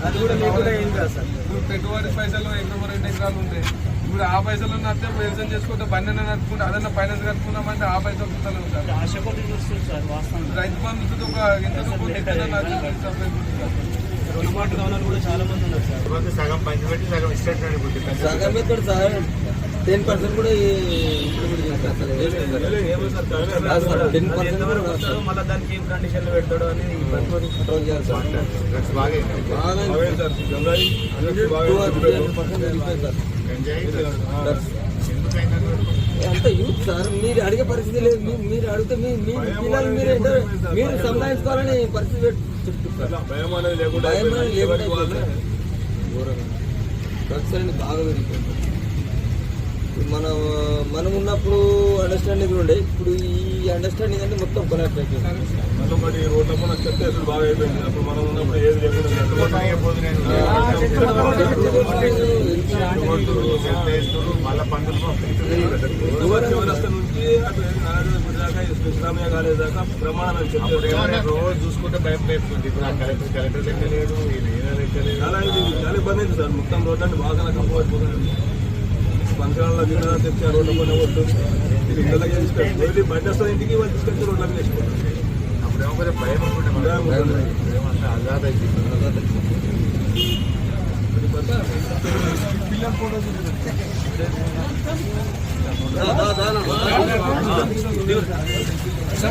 అది కూడా లేకుండా ఏం కాదు సార్. ఇప్పుడు పెట్టుబడి పైసలు ఎకరం 2 ఎకరాలు ఉంటాయి. ఇప్పుడు ఆ పైసలు నడితే వ్యవసాయం చేసుకుంటే బండి నడుపుకుంటే అదన్నా ఫైనాన్స్ కట్టుకున్నామంటే ఆ పైసలు చూస్తలేము సార్. రైతు బంధు ఒక ఎంత రుణమాటు కావాలని కూడా చాలా మంది ఉన్నారు సార్. సగం పంచిపెట్టి సగం ఇష్టం సగం ఎక్కడ సార్ 10% కూడా మళ్ళీ దానికి ఏం కండిషన్లు పెడతాడు అని కంట్రోల్ చేయాలి సార్. అంత యూత్ సార్. మీరు అడిగే పరిస్థితి లేదు. మీరు అడిగితే మీ పిల్లలు మీరు సంపాదించుకోవాలని పరిస్థితి చెప్తున్నారు. భయం అనేది లేకుండా డ్రగ్స్ అనేది బాగా పెరిగిపోయింది. మనం ఉన్నప్పుడు అండర్స్టాండింగ్ ఉండే, ఇప్పుడు ఈ అండర్స్టాండింగ్ అంటే మొత్తం కొలాప్స్ అయిపోయింది. రోడ్ల పైన చెత్త అసలు బాగా అయిపోయింది. అప్పుడు మనం ఉన్నప్పుడు ఏది లేకుండా మళ్ళీ పండుగ నుంచి ఇస్లామియా కాలేజ్ దాకా ప్రమాణం రోజు చూసుకుంటే భయం పెట్టుకుంది. ఇప్పుడు కలెక్టర్ లెక్కలేడు, చాలా ఇబ్బంది అయింది సార్. మొత్తం రోడ్లన్నీ బాగా కంపోయిపోతుంది. పంచాలలో జిల్లా తెచ్చి ఆ రోడ్ల పైన కొట్టు బండి వస్తుంది ఇంటికి వాళ్ళు తీసుకొచ్చి రోడ్ల మీద వేసుకుంటారు. అప్పుడు ఏమో కొంచెం భయం అనుకుంటే ఆజాద్ పిల్లల ఫోటోస్